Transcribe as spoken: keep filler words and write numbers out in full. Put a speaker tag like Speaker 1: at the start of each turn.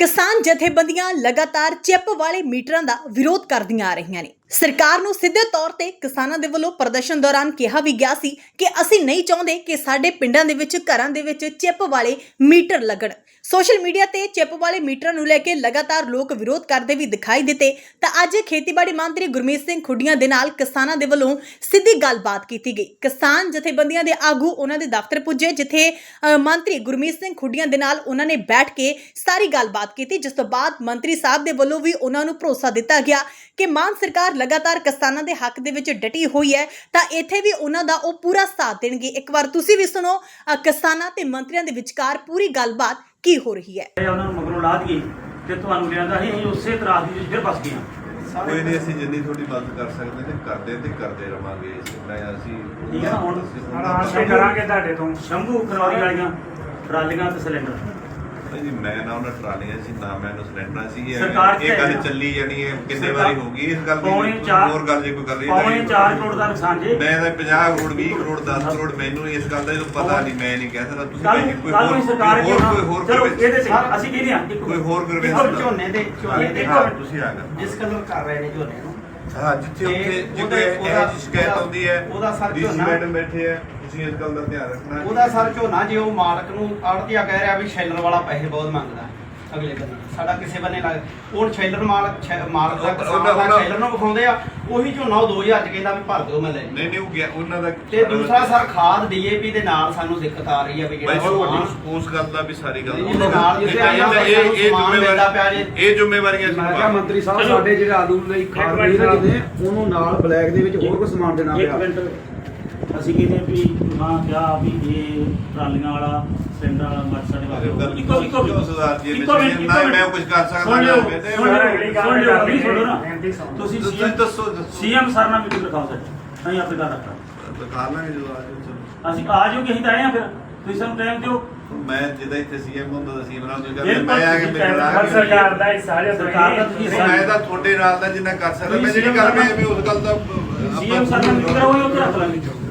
Speaker 1: किसान जथेबंदियां लगातार चिप वाले मीटरां दा विरोध करदियां आ रहीआं ने। सरकार नूं सिद्धे तौर ते किसानां दे वल्लों प्रदर्शन दौरान कहा भी गया सी कि असीं नहीं चाहुंदे कि साडे पिंडां दे विच घरां दे विच चिप वाले मीटर लगण। सोशल मीडिया ते चिप वाले मीटरां नूं लैके लगातार लोक विरोध करदे भी दिखाई दिते तां अज खेतीबाड़ी मंत्री गुरमीत सिंह खुड्डियां दे नाल किसानां दे वल्लों सिੱਧੀ गलबात कीती गई। किसान जथेबंदियां दे आगू उन्हां दे दफ्तर पुजे जिथे मंत्री गुरमीत सिंह खुड्डियां दे नाल उन्हां ने बैठ के सारी गलबात कीती, जिस तो बाद मंत्री साहब दे वल्लों भी उन्हां नूं भरोसा दिता गया कि मान सरकार लगातार किसानां दे हक दे विच डटी हुई है तां इत्थे भी उन्हां दा ओह पूरा साथ देणगे। एक बार तुसीं भी सुणो किसानां ते मंत्रियां दे विचकार पूरी गलबात की हो रही है।
Speaker 2: उन्हां नूं मगरों ला दईए ते तुहानूं लिआंदा ही ਅਸੀਂ ਉਸੇ ਤਰ੍ਹਾਂ ਦੀ ਫਿਰ ਬਸ ਗਏ ਹਾਂ।
Speaker 3: ਕੋਈ ਨਹੀਂ, ਅਸੀਂ ਜਿੰਨੀ ਥੋੜੀ ਮਦਦ ਕਰ ਸਕਦੇ ਨੇ ਕਰਦੇ ਤੇ ਕਰਦੇ ਰਵਾਂਗੇ। ਮੈਂ ਅਸੀਂ
Speaker 2: ਠੀਕ ਹੈ, ਹੁਣ
Speaker 4: ਆਸ਼ਾ ਕਰਾਂਗੇ ਤੁਹਾਡੇ ਤੋਂ
Speaker 2: ਸ਼ੰਭੂ ਖਨੌਰੀ ਵਾਲੀਆਂ ਟਰਾਲੀਆਂ ਤੇ ਸਿਲੰਡਰ
Speaker 3: ਜੀ ਮੈਂ ਨਾ ਉਹਨਾਂ ਟਰਾਲੀਆਂ ਸੀ ਨਾ ਮੈਂ ਉਹਨੂੰ ਸਿਲੰਡਰਾਂ ਸੀ। ਇਹ
Speaker 2: ਸਰਕਾਰ
Speaker 3: ਇਹ ਗੱਲ ਚੱਲੀ ਜਾਣੀ ਹੈ, ਕਿੰਨੇ ਵਾਰੀ ਹੋ ਗਈ ਇਸ ਗੱਲ ਦੀ।
Speaker 2: ਪੌਣੇ ਚਾਰ
Speaker 3: ਹੋਰ ਗੱਲ ਜੇ ਕੋਈ ਕਰ ਰਹੀ
Speaker 2: ਪੌਣੇ ਚਾਰ ਕਰੋੜ ਦਾ ਨੁਕਸਾਨ ਜੇ।
Speaker 3: ਮੈਂ ਤਾਂ ਪੰਜਾਹ ਕਰੋੜ ਵੀਹ ਕਰੋੜ ਦਸ ਕਰੋੜ ਮੈਨੂੰ ਇਸ ਗੱਲ ਦਾ ਪਤਾ ਨਹੀਂ, ਮੈਂ ਨਹੀਂ ਕਹਿ ਸਕਦਾ। ਤੁਸੀਂ
Speaker 2: ਕੱਲ
Speaker 3: ਕੋਈ
Speaker 2: ਕੱਲ ਨੂੰ ਸਰਕਾਰ
Speaker 3: ਹੋਰ ਕੋਈ ਹੋਰ
Speaker 2: ਚਲੋ ਇਹਦੇ ਤੇ ਅਸੀਂ ਕਹਿੰਦੇ ਹਾਂ
Speaker 3: ਕੋਈ ਹੋਰ ਕਰਵੇ
Speaker 5: ਝੋਨੇ ਦੇ ਝੋਨੇ ਦੇ
Speaker 3: ਤੁਸੀਂ ਆ ਗਏ
Speaker 5: ਜਿਸ ਕਦਰ ਕਰ ਰਹੇ ਨੇ ਝੋਨੇ ਨੂੰ।
Speaker 3: ਹਾਂ, ਜਿੱਥੇ ਉੱਥੇ ਜਿੱਥੇ ਇਹ ਜਿਹੀ ਸ਼ਿਕਾਇਤ ਆਉਂਦੀ ਹੈ
Speaker 5: ਉਹਦਾ ਸਰ
Speaker 3: ਡੀਸੀ
Speaker 5: ਝੋਨਾ
Speaker 3: ਮੈਡਮ ਬੈਠੇ ਆ, ਤੁਸੀਂ ਇਸ ਗੱਲ ਦਾ ਧਿਆਨ ਰੱਖਣਾ।
Speaker 5: ਉਹਦਾ ਸਰ ਝੋਨਾ ਜੇ ਉਹ ਮਾਲਕ ਨੂੰ ਆੜਤੀਆ ਕਹਿ ਰਿਹਾ ਵੀ ਸ਼ੈਲਰ ਵਾਲਾ ਪੈਸੇ ਬਹੁਤ ਮੰਗਦਾ ਅਗਲੇ ਬੰਦੇ ਸਾਡਾ ਕਿਸੇ ਬੰਨੇ ਲੱਗ ਉਹ ਸ਼ੈਲਰ ਮਾਲਕ ਮਾਲਕ ਦਾ ਕਿਸਾਨ ਦਾ ਸ਼ੈਲਰ ਨੂੰ ਵਿਖਾਉਂਦੇ ਆ, ਉਹੀ ਝੋਨਾ ਉਹ ਦੋ ਹਜ਼ਾਰ ਚ ਕਹਿੰਦਾ ਵੀ ਭਰ ਦਿਓ ਮੈਂ ਲੈ
Speaker 3: ਨਹੀਂ ਨਹੀਂ ਉਹ ਗਿਆ ਉਹਨਾਂ ਦਾ।
Speaker 5: ਤੇ ਦੂਸਰਾ ਸਰ ਖਾਦ ਡੀਏਪੀ ਦੇ ਨਾਲ ਸਾਨੂੰ ਦਿੱਕਤ ਆ ਰਹੀ ਹੈ ਵੀ ਜਿਹੜਾ ਸਮਾਨ
Speaker 3: ਉਸ ਗੱਲ ਦਾ ਵੀ ਸਾਰੀ ਗੱਲ
Speaker 5: ਇਹਦੇ ਨਾਲ
Speaker 3: ਇਹ
Speaker 5: ਇਹ
Speaker 3: ਜ਼ਿੰਮੇਵਾਰੀ
Speaker 5: ਮਿਲਦਾ ਪਿਆ ਜੇ।
Speaker 3: ਇਹ ਜ਼ਿੰਮੇਵਾਰੀਆਂ
Speaker 4: ਮੈਂ ਕਿਹਾ ਮੰਤਰੀ ਸਾਹਿਬ ਸਾਡੇ ਜਿਹੜੇ ਆਲੂ ਲਈ ਖਾਦ ਨਹੀਂ ਦਿੰਦੇ ਉਹਨੂੰ ਨਾਲ ਬਲੈਕ ਦੇ ਵਿੱਚ ਹੋਰ ਕੋਈ ਸਮਾਨ ਦੇਣਾ
Speaker 2: ਇੱਕ
Speaker 4: ਪਿਆ।
Speaker 2: ਮਿੰਟ ਅਸੀਂ ਕਹਿੰਦੇ ਹਾਂ ਵੀ ਮਾਂ ਕਿਹਾ ਵੀ ਇਹ ਟਰਾਲੀਆਂ ਵਾਲਾ ਸਿਲੰਡਰ ਵਾਲਾ ਮਤ ਸਾਡੇ ਵਾਸਤੇ ਇੱਕੋ ਇੱਕੋ
Speaker 3: ਕਿਉਂ ਸਰਦਾਰ ਜੀ
Speaker 2: ਇੱਕੋ ਮਿੰਟ
Speaker 3: ਨਾ ਮੈਂ ਕੁਝ ਕਰ ਸਕਦਾ
Speaker 2: ਸੁਣ
Speaker 3: ਨਾ
Speaker 2: ਲਿਓ
Speaker 3: ਮੈਂ ਤੇ-
Speaker 2: ਸੁਣ ਲਿਓ ਸੁਣ ਲਿਓ ਨਹੀਂ ਸੁਣੋ ਨਾ ਤੁਸੀਂ
Speaker 3: ਤੁਸੀਂ
Speaker 2: ਸੀਐਮ
Speaker 3: ਦੱਸੋ ਦੱਸੋ
Speaker 2: ਸੀਐਮ ਸਰ ਨਾਲ ਮੀਟਿੰਗ ਰਖਾਓ ਸਰ ਅਸੀਂ ਆਪੇ ਗੱਲ ਰੱਖਾਂਗੇ।
Speaker 3: ਦਿਖਾ ਲਾਂਗੇ ਜਦੋਂ ਆ ਜਾਓ। ਚਲੋ
Speaker 2: ਅਸੀਂ ਆ ਜਾਓਗੇ ਅਸੀਂ ਤਾਂ ਆਏ ਆ, ਫਿਰ ਤੁਸੀਂ ਸਾਨੂੰ ਟਾਈਮ ਦਿਓ।
Speaker 3: ਮੈਂ ਜਿੱਦਾਂ ਇੱਥੇ ਸੀਐਮ ਹੁੰਦਾ ਤਾਂ ਸੀਐਮ ਨਾਲ ਕੋਈ ਗੱਲ
Speaker 2: ਬਿਲਕੁਲ,
Speaker 3: ਮੈਂ ਆ ਕੇ ਮੇਰੇ ਨਾਲ
Speaker 2: ਹਰ
Speaker 4: ਸਰਕਾਰ ਦਾ ਹਿੱਸਾ ਜੇ
Speaker 2: ਸਰਕਾਰ ਦਾ ਤੁਸੀਂ
Speaker 3: ਨਹੀਂ, ਮੈਂ ਤਾਂ ਤੁਹਾਡੇ ਨਾਲ ਦਾ ਜਿੰਨਾ ਕਰ ਸਕਦਾ ਮੈਂ ਜਿਹੜੀ ਗੱਲ ਮੈਂ ਵੀ ਉਸ ਗੱਲ ਦਾ
Speaker 2: ਸੀਐਮ ਸਰ ਨਾਲ ਮੀਟਿੰਗ ਕਰਾਓ, ਉਹ ਉੱਥੇ ਰੱਖ ਲਾਂਗੇ।